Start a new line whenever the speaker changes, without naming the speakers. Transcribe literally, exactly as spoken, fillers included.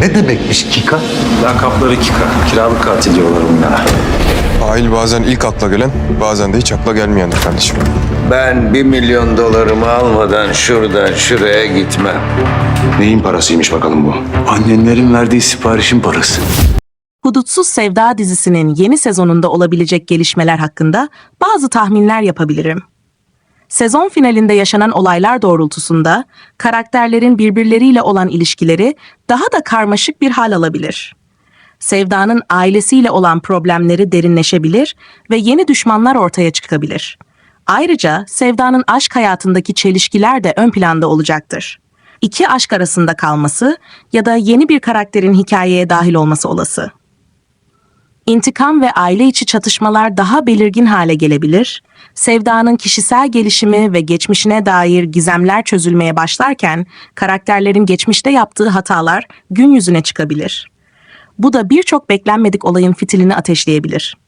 Ne demekmiş Kika?
Lakapları Kika. Kiralık katil diyorlar bunlara.
Ail bazen ilk akla gelen, bazen de hiç akla gelmeyendir kardeşim.
Ben bir milyon dolarımı almadan şuradan şuraya gitmem.
Neyin parasıymış bakalım bu? Annenlerin verdiği siparişin parası.
Hudutsuz Sevda dizisinin yeni sezonunda olabilecek gelişmeler hakkında bazı tahminler yapabilirim. Sezon finalinde yaşanan olaylar doğrultusunda karakterlerin birbirleriyle olan ilişkileri daha da karmaşık bir hal alabilir. Sevda'nın ailesiyle olan problemleri derinleşebilir ve yeni düşmanlar ortaya çıkabilir. Ayrıca Sevda'nın aşk hayatındaki çelişkiler de ön planda olacaktır. İki aşk arasında kalması ya da yeni bir karakterin hikayeye dahil olması olası. İntikam ve aile içi çatışmalar daha belirgin hale gelebilir. Sevda'nın kişisel gelişimi ve geçmişine dair gizemler çözülmeye başlarken karakterlerin geçmişte yaptığı hatalar gün yüzüne çıkabilir. Bu da birçok beklenmedik olayın fitilini ateşleyebilir.